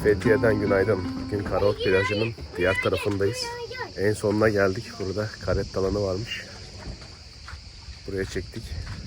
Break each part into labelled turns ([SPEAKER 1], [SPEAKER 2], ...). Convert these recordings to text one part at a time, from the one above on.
[SPEAKER 1] Fethiye'den günaydın. Bugün Karaok plajının diğer tarafındayız. En sonuna geldik. Burada karet alanı varmış. Buraya çektik.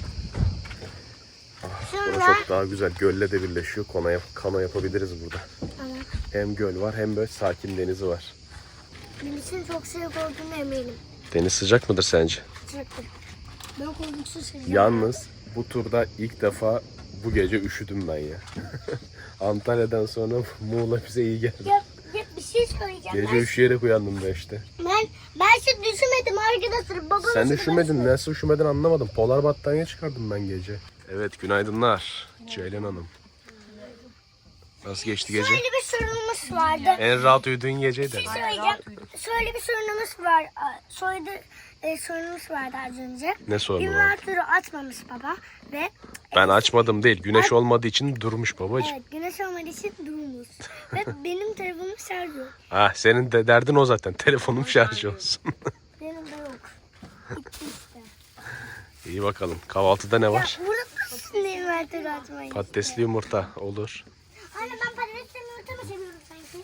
[SPEAKER 1] Burası çok daha güzel. Gölle de birleşiyor. Kano yapabiliriz burada.
[SPEAKER 2] Evet.
[SPEAKER 1] Hem göl var hem böyle sakin denizi var.
[SPEAKER 2] Denizin çok sıcak olduğunu eminim.
[SPEAKER 1] Deniz sıcak mıdır sence?
[SPEAKER 2] Sıcaktır. Ben korkuksuz sıcak.
[SPEAKER 1] Yalnız bu turda ilk defa bu gece üşüdüm ben ya. Antalya'dan sonra Muğla bize iyi geldi.
[SPEAKER 2] Ya bir şey söyleyeceğim.
[SPEAKER 1] Gece üşüyerek uyandım ben işte.
[SPEAKER 2] Ben hiç düşünmedim arkadaşlar. Babam
[SPEAKER 1] Sen de üşümedin. Nasıl üşümedin anlamadım. Polar battaniye çıkardım ben gece. Evet, günaydınlar Ceylan Hanım. Nasıl geçti gece?
[SPEAKER 2] Şöyle bir sorunumuz vardı.
[SPEAKER 1] En rahat uyuduğun geceydi.
[SPEAKER 2] Bir şey söyleyeceğim. Şöyle bir sorunumuz var. Sorunumuz vardı az önce.
[SPEAKER 1] Ne sorunu var?
[SPEAKER 2] İnvertörü açmamış baba ve
[SPEAKER 1] Ben açmadım değil. Güneş olmadığı için durmuş babacığım.
[SPEAKER 2] evet, güneş olmadığı için durmuş. Ve benim telefonum şarj yok.
[SPEAKER 1] Ah, senin de derdin o zaten. Telefonum şarj olsun.
[SPEAKER 2] Benim de yok. Gitti işte.
[SPEAKER 1] İyi bakalım. Kahvaltıda ne
[SPEAKER 2] Ya
[SPEAKER 1] var?
[SPEAKER 2] burada nasıl invertörü açmayı?
[SPEAKER 1] Patatesli yumurta olur.
[SPEAKER 2] Anne ben patatesli yumurta mı seviyorum sanki?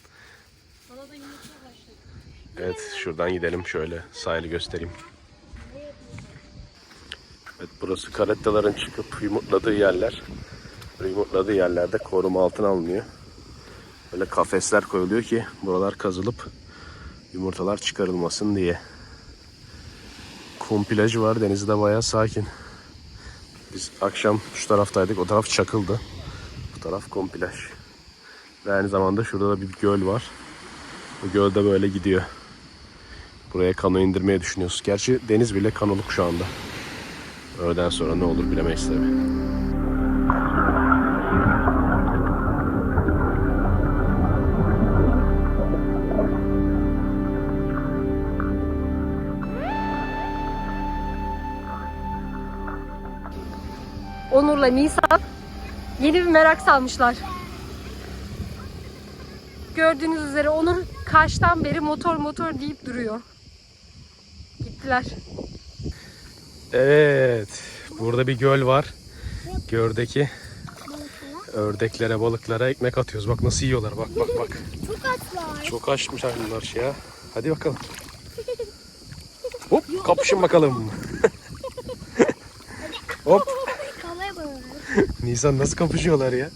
[SPEAKER 1] Evet, şuradan gidelim. Şöyle sahili göstereyim. Evet, burası karettaların çıkıp yumurtladığı yerler. Böyle yumurtladığı yerlerde koruma altına alınıyor. Böyle kafesler koyuluyor ki buralar kazılıp yumurtalar çıkarılmasın diye. Kum plajı var. Denizi de bayağı sakin. Biz akşam şu taraftaydık. O taraf çakıldı. Bu taraf kum plaj. Ve aynı zamanda şurada da bir göl var. Bu göl de böyle gidiyor. Buraya kano indirmeyi düşünüyoruz. Gerçi deniz bile kanoluk şu anda. Öğleden sonra ne olur bilemeyiz tabii.
[SPEAKER 3] Onur'la Nisan yeni bir merak salmışlar. Gördüğünüz üzere Onur kaçtan beri motor deyip duruyor. Gittiler.
[SPEAKER 1] Evet. Burada bir göl var. Gördeki ördeklere, balıklara ekmek atıyoruz. Bak nasıl yiyorlar. Bak bak bak.
[SPEAKER 2] Çok açlar.
[SPEAKER 1] Çok açmış bunlar ya. Hadi bakalım. Hop, kapışın bakalım. Hop.
[SPEAKER 2] Kalaya bak.
[SPEAKER 1] Nisan nasıl kapışıyorlar ya?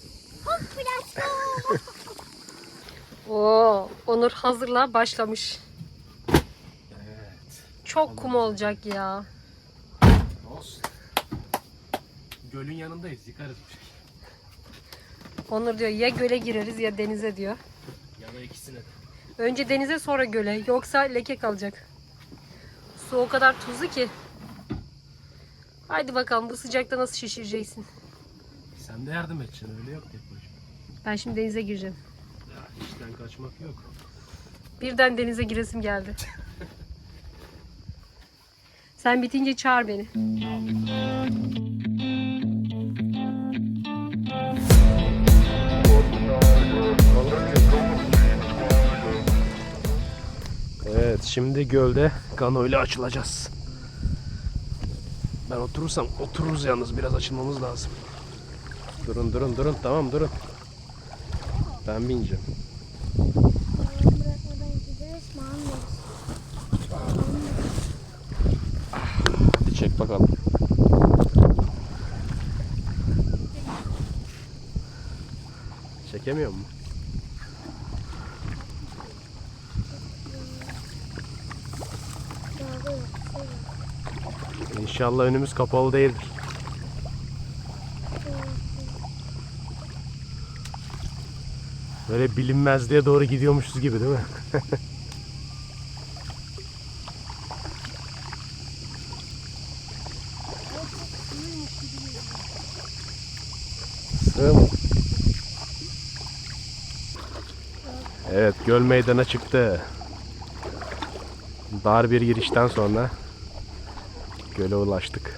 [SPEAKER 3] Oo, Onur hazırla başlamış.
[SPEAKER 1] Evet.
[SPEAKER 3] Çok kum olacak ya.
[SPEAKER 1] Olsun. Gölün yanındayız. Yıkarız bir şey.
[SPEAKER 3] Onur diyor ya göle gireriz ya denize diyor.
[SPEAKER 1] Ya da ikisine de.
[SPEAKER 3] Önce denize sonra göle, yoksa leke kalacak. Su o kadar tuzlu ki. Haydi bakalım bu sıcakta nasıl şişireceksin.
[SPEAKER 1] Sen de yardım edeceksin. Öyle yok tek başına.
[SPEAKER 3] Ben şimdi denize gireceğim.
[SPEAKER 1] Ya işten kaçmak yok.
[SPEAKER 3] Birden denize giresim geldi. Sen bitince çağır beni.
[SPEAKER 1] Evet, şimdi gölde kano ile açılacağız. Ben oturursam otururuz, yalnız biraz açılmamız lazım. Durun tamam durun. Ben bineceğim.
[SPEAKER 2] Bırakmadan gideriz mi anlıyoruz?
[SPEAKER 1] Hadi çek bakalım. Çekemiyor mu? İnşallah önümüz kapalı değildir. Böyle bilinmezliğe doğru gidiyormuşuz gibi değil mi? Sığ mı? Evet, göl meydana çıktı. Dar bir girişten sonra göle ulaştık.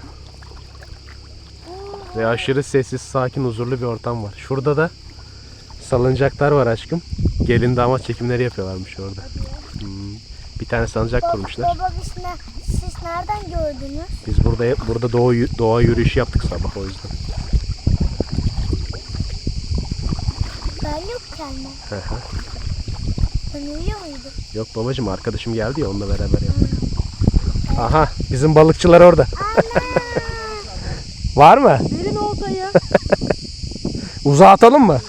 [SPEAKER 1] Ve aşırı sessiz, sakin, huzurlu bir ortam var. Şurada da salıncaklar var aşkım. Gelin damat çekimleri yapıyorlarmış orada. Bir tane salıncak kurmuşlar.
[SPEAKER 2] Baba siz nereden gördünüz?
[SPEAKER 1] Biz burada doğa yürüyüşü yaptık sabah, o yüzden.
[SPEAKER 2] Ben yokken mi? Ben uyuyor muydum?
[SPEAKER 1] Yok babacığım, arkadaşım geldi ya, onunla beraber yaptık. Aha, bizim balıkçılar orada. Var mı?
[SPEAKER 3] Verin oltayı.
[SPEAKER 1] Uzağa atalım mı?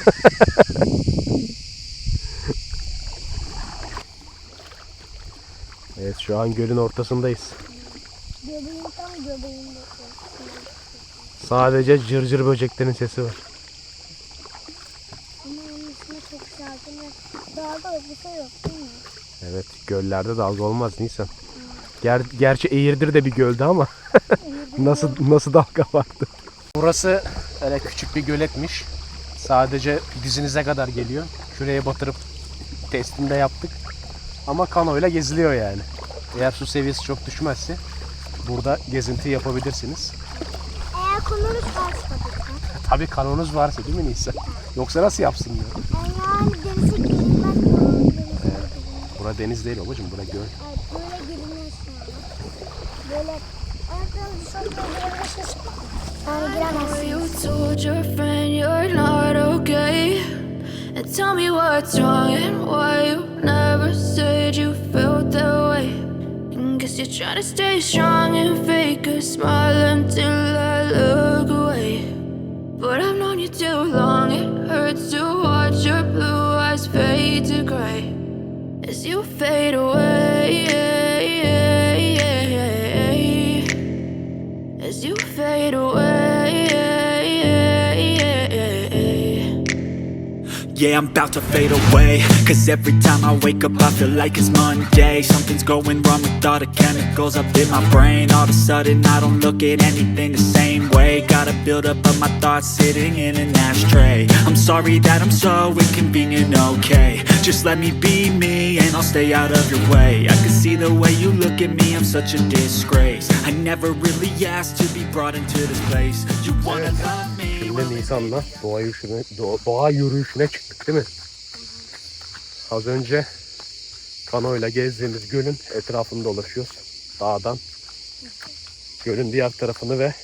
[SPEAKER 1] Evet, şu an gölün ortasındayız.
[SPEAKER 2] Göbeğim tam göbeğimde.
[SPEAKER 1] Sadece cırcır böceklerin sesi var.
[SPEAKER 2] Ama onun üstüne çok sakin ve daha da bir şey yok değil mi?
[SPEAKER 1] Evet, göllerde dalga olmaz Nisan. Gerçi Eğirdir de bir göldü ama nasıl dalga vardı. Burası öyle küçük bir göletmiş. Sadece dizinize kadar geliyor. Şuraya batırıp testini de yaptık. Ama kanoyla geziliyor yani. Eğer su seviyesi çok düşmezse burada gezinti yapabilirsiniz.
[SPEAKER 2] Eğer konumuz varsa tabii ki.
[SPEAKER 1] Tabii kanonuz varsa değil mi Nisan? Yoksa nasıl yapsın diyor.
[SPEAKER 2] Yani denize girilmez.
[SPEAKER 1] Bura deniz değil babacığım, bura göl.
[SPEAKER 2] Evet, böyle girilmez sonra. Böyle ayaklarını dışarıda girebilirsiniz. Yani giremezsiniz.
[SPEAKER 4] You told your friend you're not okay, and tell me what's wrong and why you never said you felt that way. And guess you're trying to stay strong and fake a smile until I look away. But I've known you too long, it hurts to watch your blue eyes fade to gray as you fade away, as you fade away.
[SPEAKER 5] Yeah, I'm about to fade away, cause every time I wake up I feel like it's Monday. Something's going wrong with all the chemicals up in my brain. All of a sudden I don't look at anything the same way. Got a build up of my thoughts sitting in an ashtray. I'm sorry that I'm so inconvenient, okay. Just let me be me and I'll stay out of your way. I can see the way you look at me, I'm such a disgrace. I never really asked to be brought into this place. You wanna love me?
[SPEAKER 1] Şimdi Nisan'la doğa yürüyüşüne çıktık değil mi? Az önce kanoyla gezdiğimiz gölün etrafını dolaşıyoruz. Dağdan gölün diğer tarafını ve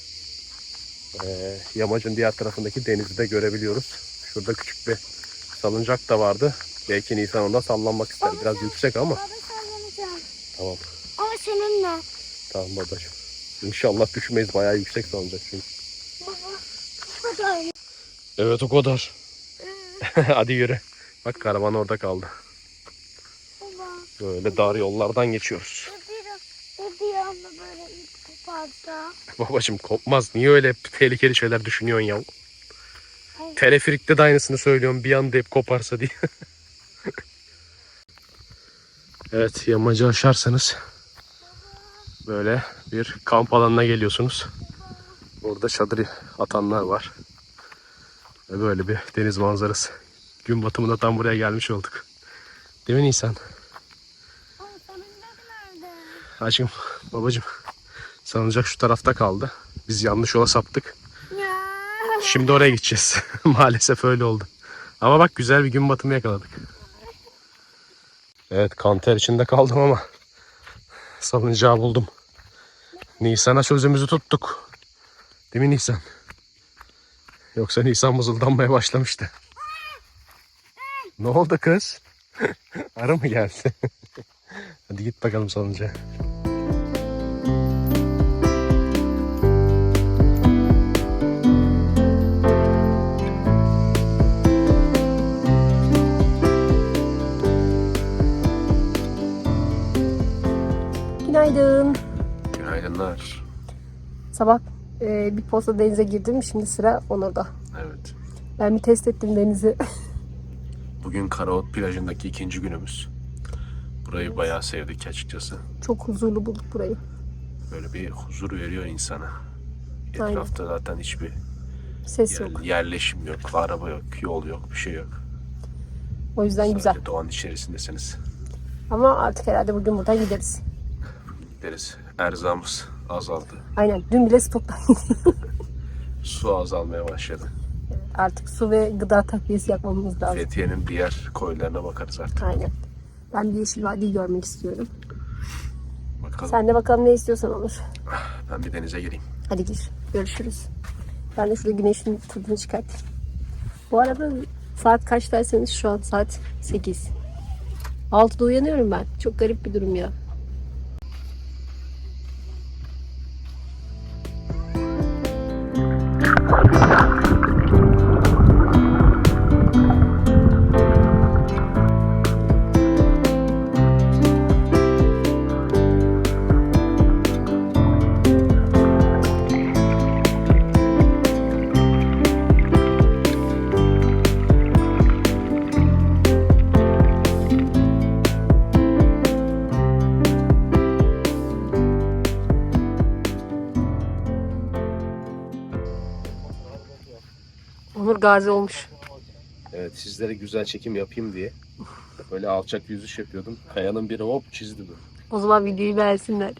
[SPEAKER 1] yamacın diğer tarafındaki denizi de görebiliyoruz. Şurada küçük bir salıncak da vardı. Belki Nisan onda sallanmak ister. Biraz yüksek ama.
[SPEAKER 2] Baba sallanacağım.
[SPEAKER 1] Tamam.
[SPEAKER 2] Ama seninle.
[SPEAKER 1] Tamam babacığım. İnşallah düşmeyiz. Bayağı yüksek salıncak çünkü.
[SPEAKER 2] Baba. Hadi.
[SPEAKER 1] Evet, o kadar. Hadi yürü. Bak, karavan orada kaldı.
[SPEAKER 2] Baba.
[SPEAKER 1] Böyle dar yollardan geçiyoruz.
[SPEAKER 2] Bir anda böyle ip koparsa.
[SPEAKER 1] Babacığım kopmaz. Niye öyle tehlikeli şeyler düşünüyorsun ya? Teleferikte de aynısını söylüyorum. Bir anda hep koparsa diye. Evet, yamacı aşarsanız böyle bir kamp alanına geliyorsunuz. Burada çadır atanlar var. Ve böyle bir deniz manzarası. Gün batımında tam buraya gelmiş olduk. Değil mi Nisan?
[SPEAKER 2] Ama salıncak nerede?
[SPEAKER 1] Aşkım, babacığım, salıncak şu tarafta kaldı. Biz yanlış yola saptık.
[SPEAKER 2] Ya.
[SPEAKER 1] Şimdi oraya gideceğiz. Maalesef öyle oldu. Ama bak, güzel bir gün batımı yakaladık. Evet, kanter içinde kaldım ama salıncağı buldum. Nisan'a sözümüzü tuttuk. Değil mi Nisan? Yoksa Nisan mızıldanmaya başlamıştı. Ne oldu kız? Arı mı geldi? Hadi git bakalım salıncağa.
[SPEAKER 3] Günaydın.
[SPEAKER 1] Günaydınlar.
[SPEAKER 3] Sabah bir posta denize girdim. Şimdi sıra Onur'da.
[SPEAKER 1] Evet.
[SPEAKER 3] Ben bir test ettim denizi.
[SPEAKER 1] Bugün Karaot plajındaki ikinci günümüz. Burayı bayağı sevdik açıkçası.
[SPEAKER 3] Çok huzurlu bulduk burayı.
[SPEAKER 1] Böyle bir huzur veriyor insana.
[SPEAKER 3] Aynen.
[SPEAKER 1] Etrafta zaten hiçbir
[SPEAKER 3] Ses yok.
[SPEAKER 1] yerleşim yok, araba yok, yol yok, bir şey yok.
[SPEAKER 3] O yüzden
[SPEAKER 1] Sadece
[SPEAKER 3] güzel.
[SPEAKER 1] doğanın içerisindesiniz.
[SPEAKER 3] Ama artık herhalde bugün buradan gideriz.
[SPEAKER 1] Gideriz. Erzağımız azaldı.
[SPEAKER 3] Aynen. Dün bile stoktan
[SPEAKER 1] Su azalmaya başladı.
[SPEAKER 3] artık su ve gıda takviyesi yapmamız lazım.
[SPEAKER 1] Fethiye'nin diğer koylarına bakarız artık.
[SPEAKER 3] Aynen. Ben bir Yeşil Vadi'yi görmek istiyorum.
[SPEAKER 1] Bakalım.
[SPEAKER 3] Sen de bakalım ne istiyorsan olur.
[SPEAKER 1] Ben bir denize gireyim.
[SPEAKER 3] Hadi gir. Görüşürüz. Ben de şurada güneşin tadını çıkart. Bu arada Saat kaç derseniz şu an saat 8. 6'da uyanıyorum ben. Çok garip bir durum ya. Onur gazi olmuş.
[SPEAKER 1] Evet, sizlere güzel çekim yapayım diye böyle alçak yüzüş yapıyordum. Kayanın biri hop çizdi bu.
[SPEAKER 3] O zaman videoyu beğensinler.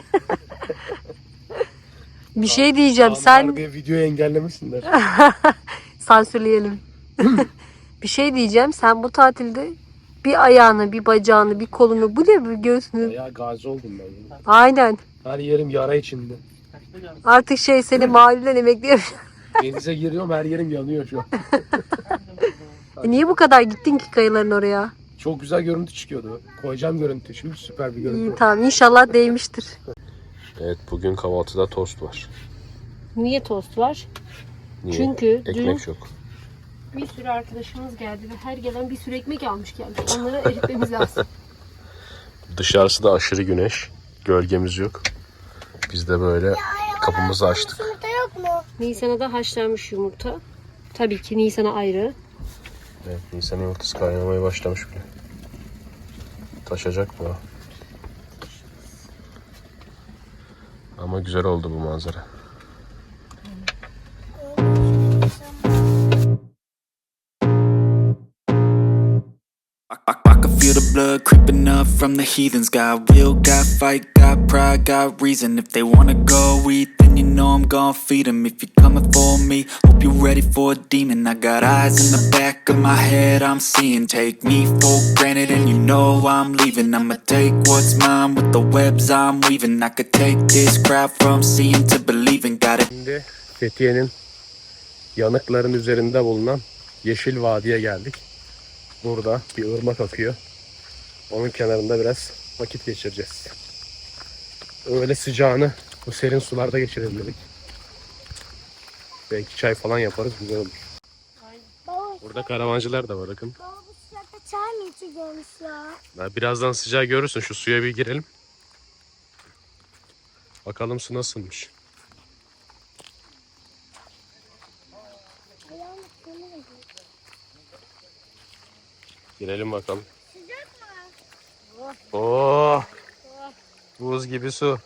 [SPEAKER 3] Bir şey diyeceğim. Sen
[SPEAKER 1] diye videoyu engellemesinler.
[SPEAKER 3] sansürleyelim. Bir şey diyeceğim. Sen bu tatilde bir ayağını, bir bacağını, bir kolunu, bu ne, bir göğsünü.
[SPEAKER 1] Ya gazi oldum ben.
[SPEAKER 3] Aynen.
[SPEAKER 1] Her yerim yara içinde.
[SPEAKER 3] Artık seni mahalleden emekliyorum.
[SPEAKER 1] Denize giriyorum, her yerim yanıyor şu an.
[SPEAKER 3] Niye bu kadar gittin ki kayaların oraya?
[SPEAKER 1] Çok güzel görüntü çıkıyordu. Koyacağım görüntü. Şimdi süper bir görüntü.
[SPEAKER 3] İyi, tamam, inşallah değmiştir.
[SPEAKER 1] Evet, bugün kahvaltıda tost var.
[SPEAKER 3] Niye tost var?
[SPEAKER 1] Niye?
[SPEAKER 3] Çünkü
[SPEAKER 1] Ekmek
[SPEAKER 3] dün
[SPEAKER 1] çok.
[SPEAKER 3] bir sürü arkadaşımız geldi ve her gelen bir sürü ekmek almış gelmiş. Onları eritmemiz lazım.
[SPEAKER 1] Dışarısı da aşırı güneş. Gölgemiz yok. Biz de böyle kapımızı açtık.
[SPEAKER 2] Yumurta yok mu?
[SPEAKER 3] Nisan'a da haşlanmış yumurta. Tabii ki Nisan'a ayrı.
[SPEAKER 1] Evet, Nisan yumurtası kaynamaya başlamış bile. Taşacak mı? Ama güzel oldu bu manzara.
[SPEAKER 5] I can feel the blood creeping up from the heathens. Got will, got fight, got pride, got reason. If they wanna go eat, then you know I'm gon' feed them. If you're coming for me, hope you're ready for a demon. I got eyes in the back of my head, I'm seeing. Take me for granted and you know I'm leaving. I'ma take what's mine with the webs I'm weaving. I could take this crowd from seeing to believing. Got it.
[SPEAKER 1] Şimdi Fethiye'nin yanıkların üzerinde bulunan Yeşil Vadi'ye geldik. Burada bir ırmak akıyor. Onun kenarında biraz vakit geçireceğiz. Öğle sıcağını bu serin sularda geçirelim dedik. Belki çay falan yaparız, güzel olur.
[SPEAKER 2] Baba,
[SPEAKER 1] Burada karavancılar da var, bakın.
[SPEAKER 2] baba bu sıcakta çay mı içeceğiz ya?
[SPEAKER 1] Birazdan sıcağı görürsün, şu suya bir girelim. Bakalım su nasılmış.
[SPEAKER 2] Ayağım ısınıyor.
[SPEAKER 1] Girelim bakalım.
[SPEAKER 2] Sıcak mı?
[SPEAKER 1] Oh! Buz gibi su.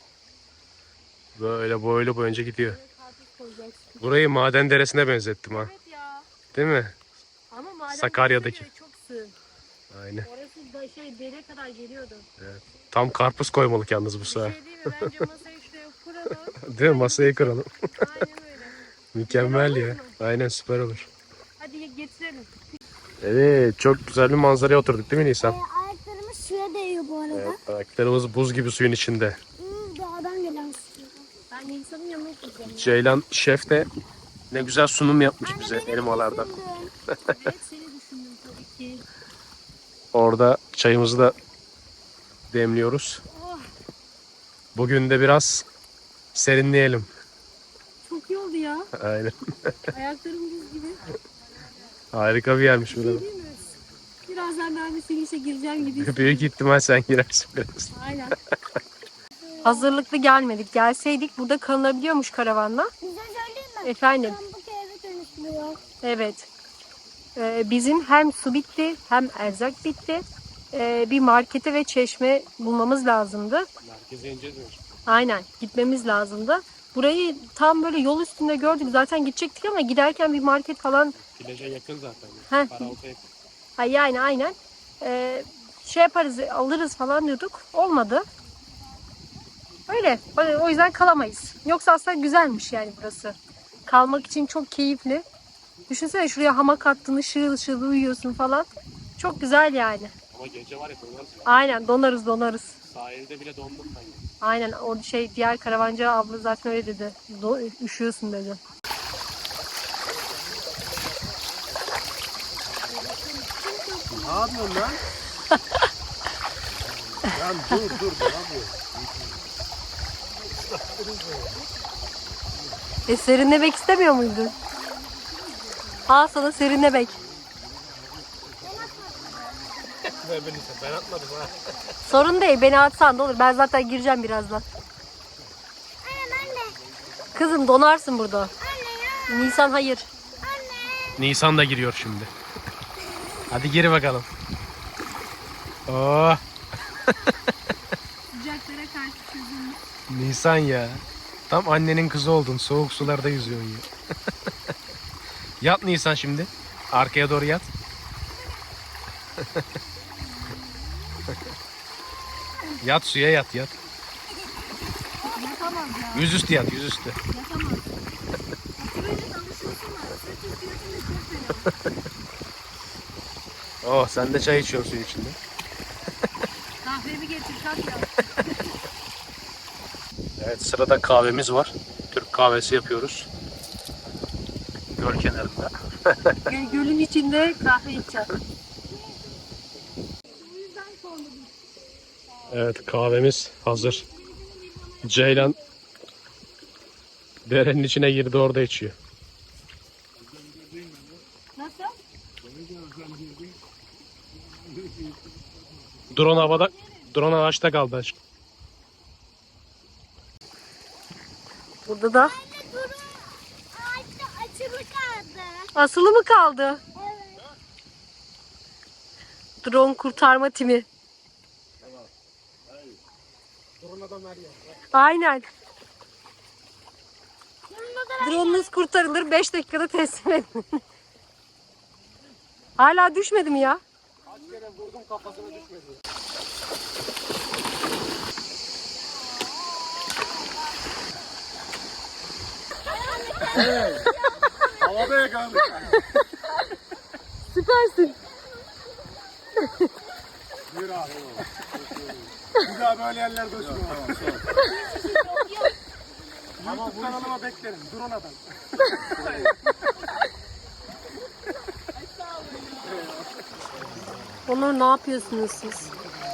[SPEAKER 1] Böyle boylu boyunca gidiyor. Burayı maden deresine benzettim ha.
[SPEAKER 3] Evet ya.
[SPEAKER 1] Değil mi?
[SPEAKER 3] Ama maden
[SPEAKER 1] Sakarya'daki.
[SPEAKER 3] deresi de çok sığ.
[SPEAKER 1] Aynen.
[SPEAKER 3] Orası da dere kadar geliyordu.
[SPEAKER 1] Tam karpuz koymalık yalnız bu
[SPEAKER 3] Bir
[SPEAKER 1] sefer.
[SPEAKER 3] şey değil mi? Bence masayı şuraya kuralım.
[SPEAKER 1] Değil mi? Masayı kıralım.
[SPEAKER 3] Aynen öyle.
[SPEAKER 1] Mükemmel ya. Aynen, süper olur.
[SPEAKER 3] Hadi getirelim.
[SPEAKER 1] Evet, çok güzel bir manzaraya oturduk değil mi Nisan?
[SPEAKER 2] Ayaklarımız suya değiyor bu arada.
[SPEAKER 1] Evet, ayaklarımız buz gibi suyun içinde.
[SPEAKER 2] Dağdan gelen su.
[SPEAKER 3] Ben Nisan'ın yanına gideceğim.
[SPEAKER 1] Ceylan şef de ne güzel sunum yapmış bize elmalardan.
[SPEAKER 3] Evet, seni düşündüm tabii ki.
[SPEAKER 1] Orada çayımızı da demliyoruz. Bugün de biraz serinleyelim.
[SPEAKER 3] Çok iyi oldu ya.
[SPEAKER 1] Aynen.
[SPEAKER 3] Ayaklarım buz gibi.
[SPEAKER 1] Harika bir yermiş burada.
[SPEAKER 3] Değil mi? Birazdan ben de senin işe gireceğim gibi.
[SPEAKER 1] Büyük ihtimal sen girersin biraz.
[SPEAKER 3] Aynen. Hazırlıklı gelmedik. Gelseydik burada kalınabiliyormuş karavanla.
[SPEAKER 2] Bize söyleyeyim mi?
[SPEAKER 3] Efendim.
[SPEAKER 2] Pamuk eve dönüştürüyor.
[SPEAKER 3] Evet. Bizim hem su bitti hem erzak bitti. Bir markete ve çeşme bulmamız lazımdı.
[SPEAKER 1] Merkeze ineceğiz mi?
[SPEAKER 3] Aynen, gitmemiz lazımdı. Burayı tam böyle yol üstünde gördük. Zaten gidecektik ama giderken bir market falan.
[SPEAKER 1] Plaja yakın zaten.
[SPEAKER 3] Heh.
[SPEAKER 1] Karaltı yakın.
[SPEAKER 3] Ha, yani aynen. Şey yaparız, alırız falan diyorduk. Olmadı. Öyle. O yüzden kalamayız. Yoksa aslında güzelmiş yani burası. Kalmak için çok keyifli. Düşünsene, şuraya hamak attın, ışıl ışıl uyuyorsun falan. Çok güzel yani.
[SPEAKER 1] Ama gece var ya, donarız.
[SPEAKER 3] Aynen, donarız.
[SPEAKER 1] Sahilde bile dondum ben.
[SPEAKER 3] Aynen, o diğer karavancı abla zaten öyle dedi. Üşüyorsun dedi.
[SPEAKER 1] Ne yapıyorsun lan? Lan dur ne yapıyorsun?
[SPEAKER 3] Serinlemek istemiyor muydun? Al sana serinlemek.
[SPEAKER 1] Ben atmadım ha.
[SPEAKER 3] Sorun değil, beni atsan da olur. Ben zaten gireceğim birazdan.
[SPEAKER 2] Anne.
[SPEAKER 3] Kızım donarsın burada.
[SPEAKER 2] Anne ya.
[SPEAKER 3] Nisan hayır.
[SPEAKER 1] Nisan da giriyor şimdi. Hadi gir bakalım. Oh.
[SPEAKER 3] Sıcaklara karşı çözüm.
[SPEAKER 1] Nisan ya. Tam annenin kızı oldun. Soğuk sularda yüzüyorsun ya. Yat Nisan şimdi. Arkaya doğru yat. Yat suya yat.
[SPEAKER 3] Yapamaz ya.
[SPEAKER 1] Yüzüstü yat yüzüstü.
[SPEAKER 3] Yapamaz. Sürece alışıyorsun da. Sırt üstü çok fena.
[SPEAKER 1] Oh sen de çay içiyorsun suyun içinde.
[SPEAKER 3] Kahvemi getir kalk ya.
[SPEAKER 1] Evet sırada kahvemiz var. Türk kahvesi yapıyoruz. Göl kenarında.
[SPEAKER 3] Gölün içinde kahve içeceğim.
[SPEAKER 1] Evet kahvemiz hazır. Ceylan derenin içine girdi orada içiyor.
[SPEAKER 3] Nasıl?
[SPEAKER 1] Drone ağaçta kaldı aşkım.
[SPEAKER 3] Burada da
[SPEAKER 2] Durun. Ağaçta açılı kaldı.
[SPEAKER 3] asılı mı kaldı?
[SPEAKER 2] Evet.
[SPEAKER 3] Drone kurtarma timi. Aynen. Drone'unuz kurtarılır 5 dakikada teslim edin. Hala düşmedi mi ya?
[SPEAKER 1] Kaç kere vurdum kafasına düşmedi. Evet. Havada yakaladık.
[SPEAKER 3] Süpersin.
[SPEAKER 1] Yürü abi. Bir daha böyle yerlerde uçma. Ama bu kanalıma beklerim. Drone adam.
[SPEAKER 3] Onur ne yapıyorsunuz siz?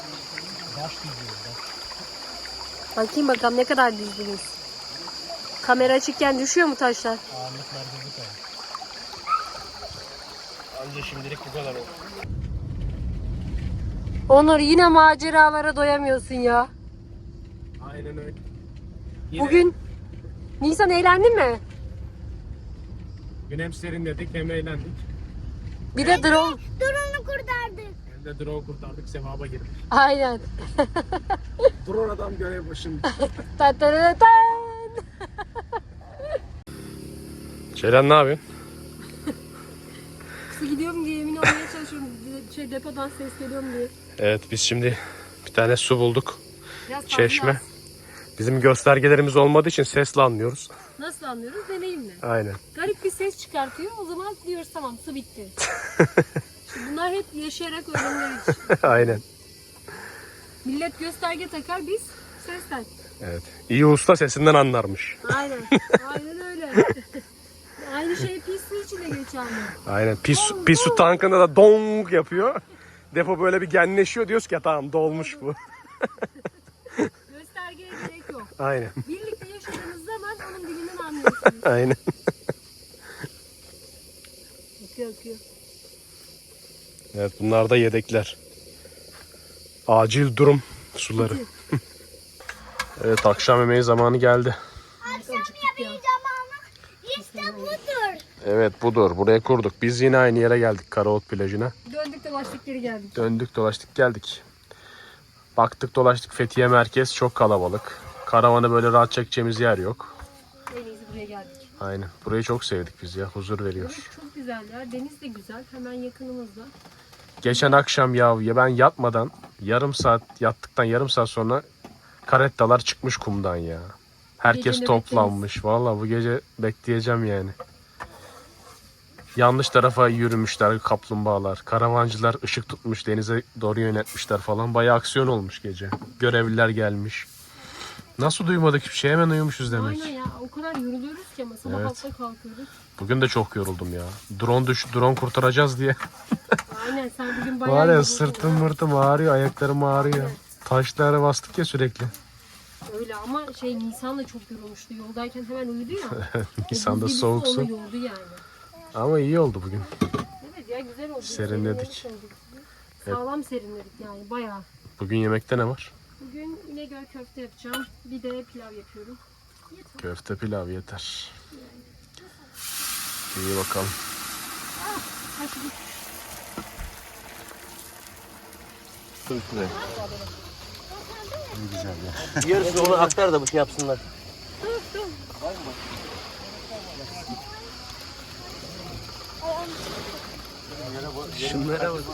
[SPEAKER 3] Bakayım bakalım ne kadar dizdiniz. Kamera açıkken düşüyor mu taşlar?
[SPEAKER 1] Ağırlıklar gibi koyar. Anca şimdilik bu kadar oldu.
[SPEAKER 3] Onur yine maceralara doyamıyorsun ya.
[SPEAKER 1] Aynen öyle.
[SPEAKER 3] Bugün Nisan eğlendin mi?
[SPEAKER 1] Gün hem serinledik hem eğlendik.
[SPEAKER 3] Bir de drone.
[SPEAKER 2] Drone'u kurtardık.
[SPEAKER 1] Hem de drone kurtardık, sevaba girdik.
[SPEAKER 3] Aynen.
[SPEAKER 1] Drone adam görev başında.
[SPEAKER 3] Tan tan tan tan.
[SPEAKER 1] Ceylan ne yapıyorsun?
[SPEAKER 3] Su gidiyorum diye emin olmaya çalışıyorum. Depodan ses geliyor mu diye.
[SPEAKER 1] Evet biz şimdi bir tane su bulduk.
[SPEAKER 3] Biraz
[SPEAKER 1] Çeşme.
[SPEAKER 3] fazla.
[SPEAKER 1] Bizim göstergelerimiz olmadığı için sesle anlıyoruz.
[SPEAKER 3] Nasıl anlıyoruz? Deneyimle.
[SPEAKER 1] Aynen.
[SPEAKER 3] Garip bir ses çıkartıyor. O zaman diyoruz tamam su bitti. Şimdi bunlar hep yaşayarak öğreniyoruz.
[SPEAKER 1] Aynen.
[SPEAKER 3] Millet gösterge takar biz sesten.
[SPEAKER 1] Evet. İyi usta sesinden anlarmış.
[SPEAKER 3] Aynen. Aynen öyle. Aynı şey pis su için de geçerli.
[SPEAKER 1] Aynen. Pis su tankında da dong yapıyor. Depo böyle bir genleşiyor. Diyoruz ki ya tamam dolmuş bu.
[SPEAKER 3] Göstergeye gerek yok.
[SPEAKER 1] Aynen.
[SPEAKER 3] Birlikte yaşadığınız zaman onun dilinden anlıyorsunuz.
[SPEAKER 1] Aynen.
[SPEAKER 3] Akıyor.
[SPEAKER 1] Evet bunlar da yedekler. Acil durum suları. Evet akşam yemeği zamanı geldi.
[SPEAKER 2] Akşam yemeği zamanı işte budur.
[SPEAKER 1] Evet budur. Buraya kurduk. Biz yine aynı yere geldik. Karaot plajına.
[SPEAKER 3] Döndük dolaştık geri geldik.
[SPEAKER 1] Döndük dolaştık geldik. Baktık dolaştık Fethiye merkez çok kalabalık. Karavanı böyle rahat çekeceğimiz yer yok.
[SPEAKER 3] En iyisi buraya geldik.
[SPEAKER 1] Aynen. Burayı çok sevdik biz ya. Huzur veriyor.
[SPEAKER 3] Evet, çok güzel ya. Deniz de güzel. Hemen yakınımızda.
[SPEAKER 1] Geçen akşam ya ben yatmadan yattıktan yarım saat sonra karettalar çıkmış kumdan ya. Herkes
[SPEAKER 3] Gece
[SPEAKER 1] toplanmış. Vallahi bu gece bekleyeceğim yani. Yanlış tarafa yürümüşler kaplumbağalar. Karavancılar ışık tutmuş denize doğru yönetmişler falan. Bayağı aksiyon olmuş gece. Görevliler gelmiş. Nasıl duymadık hiçbir şey? Hemen uyumuşuz demek.
[SPEAKER 3] Aynen ya. O kadar yoruluyoruz ki ama sabah
[SPEAKER 1] Evet.
[SPEAKER 3] altta kalkıyoruz.
[SPEAKER 1] Bugün de çok yoruldum ya. Drone kurtaracağız diye.
[SPEAKER 3] Aynen sen bugün bayağı
[SPEAKER 1] Var ya
[SPEAKER 3] yoruldun.
[SPEAKER 1] sırtım mırtım ağrıyor, ayaklarım ağrıyor. Taşlara bastık ya sürekli.
[SPEAKER 3] Öyle ama Nisan da çok yorulmuştu. Yoldayken hemen uyudu ya.
[SPEAKER 1] Nisan'da
[SPEAKER 3] O buz
[SPEAKER 1] soğuk
[SPEAKER 3] gibisi
[SPEAKER 1] su.
[SPEAKER 3] onu yordu yani.
[SPEAKER 1] Ama iyi oldu bugün.
[SPEAKER 3] Evet ya güzel oldu.
[SPEAKER 1] Serinledik.
[SPEAKER 3] Sağlam serinledik yani bayağı.
[SPEAKER 1] Bugün yemekte ne var?
[SPEAKER 3] Bugün İnegöl köfte yapacağım. Bir de pilav yapıyorum.
[SPEAKER 1] Köfte pilav yeter. İyi bakalım.
[SPEAKER 6] Yarısı onu aktar da bir şey yapsınlar.
[SPEAKER 1] Şunlara bak.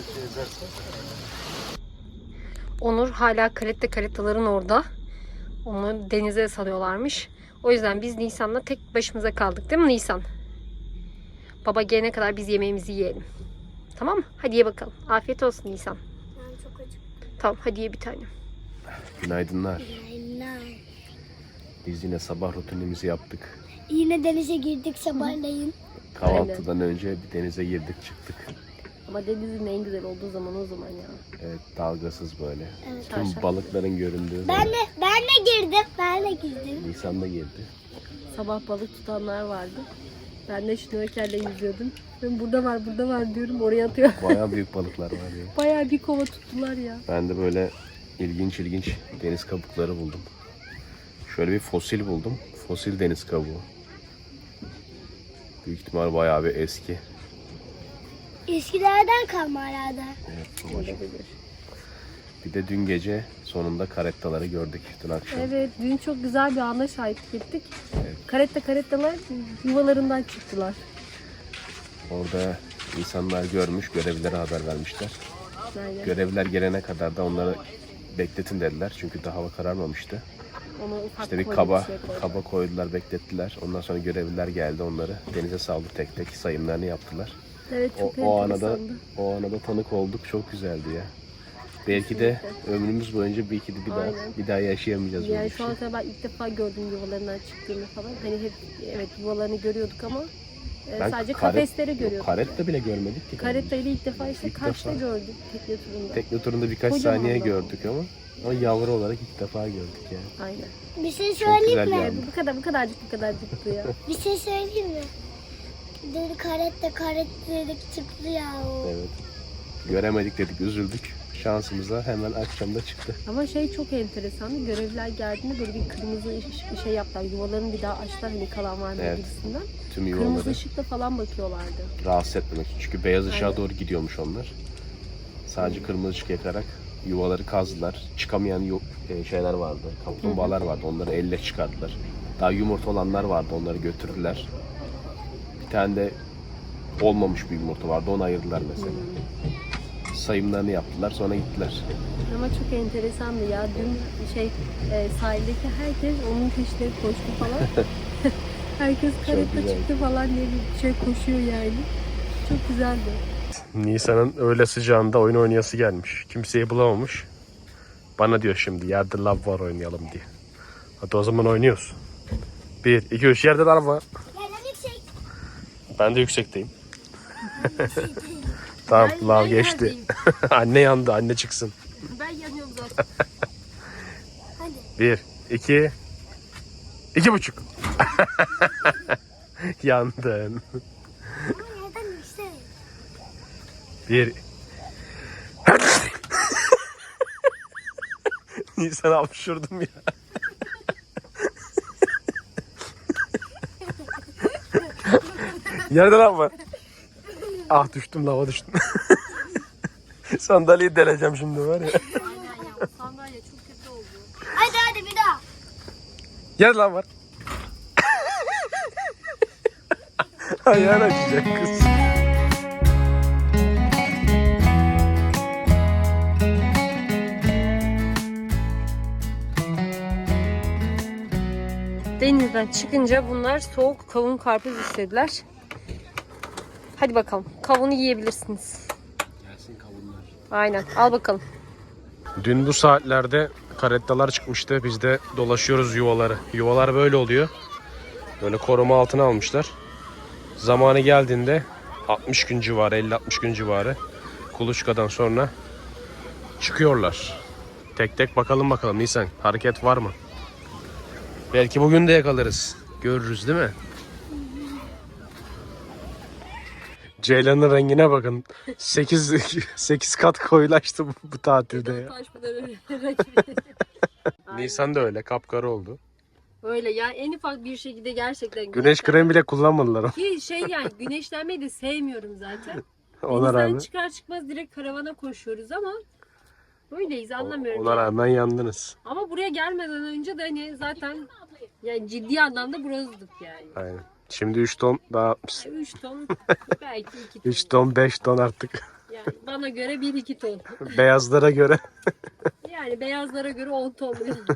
[SPEAKER 3] Onur hala karetaların orada. Onu denize salıyorlarmış. O yüzden biz Nisan'la tek başımıza kaldık değil mi Nisan? Baba gelene kadar biz yemeğimizi yiyelim. Tamam mı? Hadi ye bakalım. Afiyet olsun Nisan.
[SPEAKER 2] Ben çok acıktım.
[SPEAKER 3] Tamam hadi ye bir tane.
[SPEAKER 1] Günaydınlar.
[SPEAKER 2] Aynen.
[SPEAKER 1] Biz yine sabah rutinimizi yaptık.
[SPEAKER 2] Yine denize girdik sabahleyin.
[SPEAKER 1] Kahvaltıdan önce bir denize girdik çıktık.
[SPEAKER 3] Ama denizin en güzel olduğu zaman o zaman ya.
[SPEAKER 1] Evet, dalgasız böyle.
[SPEAKER 2] Evet.
[SPEAKER 1] Tüm balıkların göründüğü.
[SPEAKER 2] Ben de girdim. Ben de girdim.
[SPEAKER 1] Nisan'da girdi.
[SPEAKER 3] Sabah balık tutanlar vardı. Ben de şnorkelle yüzüyordum. Ben burada var diyorum oraya atıyor.
[SPEAKER 1] Bayağı büyük balıklar var ya.
[SPEAKER 3] Bayağı bir kova tuttular ya.
[SPEAKER 1] Ben de böyle ilginç deniz kabukları buldum. Şöyle bir fosil buldum. Fosil deniz kabuğu. Büyük ihtimal bayağı bir eski.
[SPEAKER 2] Eskilerden kalma herhalde.
[SPEAKER 1] Evet, babacığım. Bir de dün gece sonunda karettaları gördük dün akşam.
[SPEAKER 3] Evet, dün çok güzel bir ana şahitlik ettik. Karettalar yuvalarından çıktılar.
[SPEAKER 1] Orada insanlar görmüş, görevlilere haber vermişler.
[SPEAKER 3] Aynen.
[SPEAKER 1] Görevliler gelene kadar da onları bekletin dediler. çünkü daha hava kararmamıştı.
[SPEAKER 3] Ona ufak
[SPEAKER 1] İşte bir
[SPEAKER 3] koydu,
[SPEAKER 1] kaba
[SPEAKER 3] şey koydu.
[SPEAKER 1] kaba koydular, beklettiler. Ondan sonra görevliler geldi, onları denize saldı, tek tek sayımlarını yaptılar.
[SPEAKER 3] Evet, çok
[SPEAKER 1] O
[SPEAKER 3] enteresandı.
[SPEAKER 1] ana da tanık olduk. Çok güzeldi ya. Belki de ömrümüz boyunca belki de
[SPEAKER 3] Aynen.
[SPEAKER 1] bir daha yaşayamayacağız böyle
[SPEAKER 3] Yani
[SPEAKER 1] bir
[SPEAKER 3] şu
[SPEAKER 1] şey.
[SPEAKER 3] ana kadar ben ilk defa gördüm yuvalarından çıktığını falan. Hani hep evet yuvalarını görüyorduk ama sadece kafesleri görüyorduk.
[SPEAKER 1] Karetta bile görmedik ki.
[SPEAKER 3] Karettayı ilk defa işte
[SPEAKER 1] İlk
[SPEAKER 3] Kaş'ta
[SPEAKER 1] defa.
[SPEAKER 3] gördük tekne turunda.
[SPEAKER 1] Tekne turunda birkaç
[SPEAKER 3] Kocaman
[SPEAKER 1] saniye
[SPEAKER 3] da.
[SPEAKER 1] gördük ama yavru olarak ilk defa gördük yani.
[SPEAKER 3] Aynen.
[SPEAKER 2] Bir şey
[SPEAKER 1] Çok
[SPEAKER 2] söyleyeyim
[SPEAKER 1] güzel
[SPEAKER 2] mi?
[SPEAKER 1] bir andı.
[SPEAKER 3] Bu kadarcıktı ya.
[SPEAKER 2] Bir şey söyleyeyim mi? Dün karet dedik çıktı ya o.
[SPEAKER 1] Evet. Göremedik dedik, üzüldük. Şansımıza hemen akşamda çıktı.
[SPEAKER 3] Ama çok enteresandı. Görevliler geldiğinde böyle bir kırmızı şey yaptılar. Yuvalarını bir daha açtılar hani kalan var mı
[SPEAKER 1] Evet.
[SPEAKER 3] gibisinden.
[SPEAKER 1] Tüm
[SPEAKER 3] Kırmızı
[SPEAKER 1] yuvaları
[SPEAKER 3] ışıkla falan bakıyorlardı.
[SPEAKER 1] rahatsız etmemek için. Çünkü beyaz ışığa
[SPEAKER 3] Aynen.
[SPEAKER 1] doğru gidiyormuş onlar. Sadece kırmızı ışık yakarak yuvaları kazdılar. Çıkamayan şeyler vardı. Kaplumbağalar vardı. Onları elle çıkardılar. Daha yumurta olanlar vardı. Onları götürdüler. Bir tane de olmamış bir yumurta vardı. Onu ayırdılar mesela. Sayımlarını yaptılar. Sonra gittiler.
[SPEAKER 3] Ama çok enteresandı ya. Dün sahildeki herkes onun peşine koştu falan. Herkes karetta
[SPEAKER 1] güzel.
[SPEAKER 3] çıktı falan diye bir şey koşuyor yani. Çok güzeldi.
[SPEAKER 1] Nisan'ın öğle sıcağında oyun oynayası gelmiş. Kimseyi bulamamış. Bana diyor şimdi yerde lav var oynayalım diye. Hadi o zaman oynuyoruz. 1, 2, 3 yerde lav var.
[SPEAKER 2] Yerden yüksek.
[SPEAKER 1] Ben de yüksekteyim. Tamam lav geçti.
[SPEAKER 3] neredeyim?
[SPEAKER 1] Anne yandı, anne çıksın.
[SPEAKER 3] Ben yanıyorum zaten.
[SPEAKER 1] 1, 2, 2,5. Yandın.
[SPEAKER 2] Ama yerden yüksek.
[SPEAKER 1] 1. Nisan hapşurdum ya. Yerde lan var. Ah düştüm, lava düştüm. Sandalyeyi deleceğim şimdi var ya.
[SPEAKER 3] Aynen ya. Sandalye çok kötü oldu.
[SPEAKER 2] Hadi bir daha.
[SPEAKER 1] Yerde lan var. Ayağına acıyacak kız.
[SPEAKER 3] Denizden çıkınca bunlar soğuk kavun karpuz istediler. Hadi bakalım. Kavunu yiyebilirsiniz.
[SPEAKER 1] Gelsin kavunlar.
[SPEAKER 3] Aynen. Al bakalım.
[SPEAKER 1] Dün bu saatlerde karettalar çıkmıştı. Biz de dolaşıyoruz yuvaları. Yuvalar böyle oluyor. Böyle koruma altına almışlar. Zamanı geldiğinde 60 gün civarı, 50-60 gün civarı kuluçkadan sonra çıkıyorlar. Tek tek bakalım Nisan. Hareket var mı? Belki bugün de yakalarız. Görürüz değil mi? Ceylanın rengine bakın. 8 kat koyulaştı bu tatilde ya. Nisan da öyle kapkara oldu.
[SPEAKER 3] Öyle ya, en ufak bir şekilde gerçekten
[SPEAKER 1] Güneş kremi bile kullanmadılar o.
[SPEAKER 3] ki yani güneşlenmeyi de sevmiyorum zaten.
[SPEAKER 1] Ona
[SPEAKER 3] Denizden
[SPEAKER 1] rağmen.
[SPEAKER 3] çıkar çıkmaz direkt karavana koşuyoruz ama böyleyiz, anlamıyorum.
[SPEAKER 1] Ona
[SPEAKER 3] yani.
[SPEAKER 1] rağmen yandınız.
[SPEAKER 3] Ama buraya gelmeden önce de hani zaten yani ciddi anlamda bronzduk yani.
[SPEAKER 1] Aynen. Şimdi 3 ton daha atmışsın.
[SPEAKER 3] 3 ton belki 2 ton.
[SPEAKER 1] 3 ton 5 ton artık.
[SPEAKER 3] Yani bana göre 1-2 ton.
[SPEAKER 1] Beyazlara göre.
[SPEAKER 3] Yani beyazlara göre 10 ton.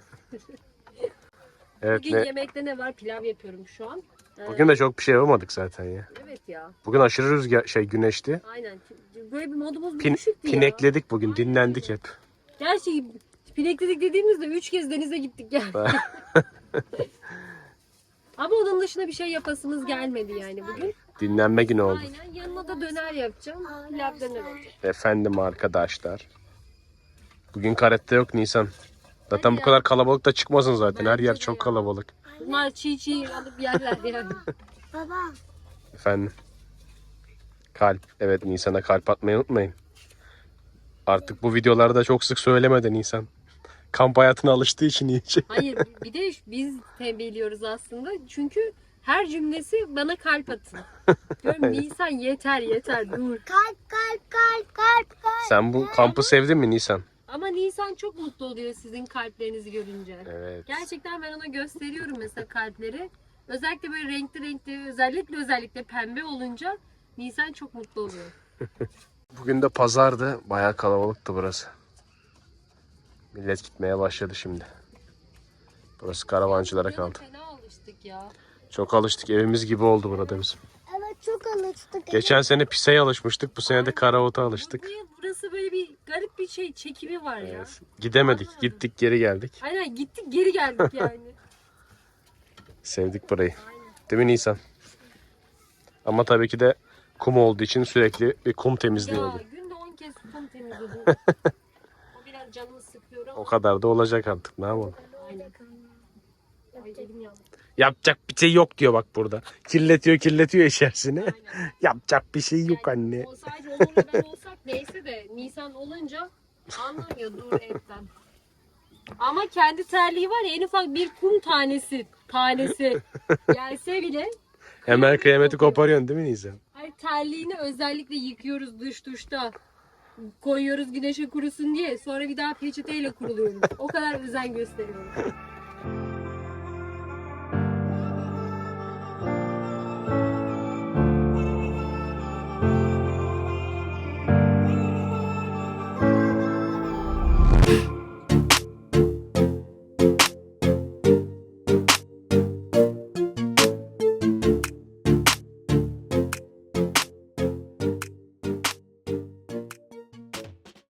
[SPEAKER 1] Evet
[SPEAKER 3] Bugün
[SPEAKER 1] ne?
[SPEAKER 3] yemekte ne var? Pilav yapıyorum şu an.
[SPEAKER 1] Bugün de çok bir şey yapamadık zaten ya.
[SPEAKER 3] Evet ya.
[SPEAKER 1] Bugün aşırı rüzgar güneşti.
[SPEAKER 3] Aynen. Böyle bir modumuz
[SPEAKER 1] Pin,
[SPEAKER 3] düşüktü ya.
[SPEAKER 1] pinekledik bugün, dinlendik hep.
[SPEAKER 3] Gerçi pinekledik dediğimizde 3 kez denize gittik yani. Ama onun dışında bir şey yapasımız gelmedi yani bugün.
[SPEAKER 1] Dinlenme günü oldu.
[SPEAKER 3] Aynen, yanına da döner yapacağım. Pilav döner olacak.
[SPEAKER 1] Efendim arkadaşlar. Bugün karette yok Nisan. Zaten
[SPEAKER 3] Hadi
[SPEAKER 1] bu
[SPEAKER 3] ya.
[SPEAKER 1] kadar kalabalık da çıkmasın zaten. Her
[SPEAKER 3] Bence
[SPEAKER 1] yer
[SPEAKER 3] de
[SPEAKER 1] çok
[SPEAKER 3] ya.
[SPEAKER 1] kalabalık.
[SPEAKER 3] Bunlar çiğ alıp yerler yani.
[SPEAKER 2] Baba.
[SPEAKER 1] Efendim. Kalp. Evet, Nisan'a kalp atmayı unutmayın. Artık bu videolarda çok sık söylemedi Nisan. Kamp hayatına alıştığı için iyice.
[SPEAKER 3] Hayır, bir de biz tembihliyoruz aslında. Çünkü her cümlesi bana kalp atın. Diyorum Nisan yeter dur.
[SPEAKER 2] Kalp.
[SPEAKER 1] Sen bu kampı sevdin mi Nisan?
[SPEAKER 3] Ama Nisan çok mutlu oluyor sizin kalplerinizi görünce.
[SPEAKER 1] Evet.
[SPEAKER 3] Gerçekten ben ona gösteriyorum mesela kalpleri. Özellikle böyle renkli özellikle pembe olunca Nisan çok mutlu oluyor.
[SPEAKER 1] Bugün de pazardı. Bayağı kalabalıktı burası. Millet gitmeye başladı şimdi. Burası karavancılara kaldı.
[SPEAKER 3] Fena alıştık ya.
[SPEAKER 1] Çok alıştık. Evimiz gibi oldu burada bizim.
[SPEAKER 2] Evet çok alıştık.
[SPEAKER 1] Geçen sene piseye alışmıştık. Bu sene de karavota alıştık.
[SPEAKER 3] Burası böyle bir garip bir şey çekimi var ya.
[SPEAKER 1] Evet. Gidemedik. Gittik geri geldik.
[SPEAKER 3] Aynen, gittik geri geldik yani.
[SPEAKER 1] Sevdik burayı. Değil mi Nisan? Ama tabii ki de kum olduğu için sürekli bir kum temizliği
[SPEAKER 3] Ya
[SPEAKER 1] oluyor.
[SPEAKER 3] günde 10 kez kum temizledim. O biraz canımı sıkıyor ama.
[SPEAKER 1] O kadar da olacak artık. Ne yapalım?
[SPEAKER 3] Aynen. Ay, elim yandı.
[SPEAKER 1] Yapacak bir şey yok diyor bak burada. Kirletiyor içerisini.
[SPEAKER 3] Aynen.
[SPEAKER 1] Yapacak bir şey yok
[SPEAKER 3] Yani
[SPEAKER 1] anne.
[SPEAKER 3] o sadece Onur'la ben olsak neyse de Nisan olunca anlamıyor dur etten. Ama kendi terliği var ya, en ufak bir kum tanesi gelse bile
[SPEAKER 1] Hemen kıyameti koparıyorsun değil mi Nisan?
[SPEAKER 3] ay, terliğini özellikle yıkıyoruz duşta. Koyuyoruz güneşe kurusun diye. Sonra bir daha peçeteyle kuruluyoruz. O kadar özen gösteriyoruz.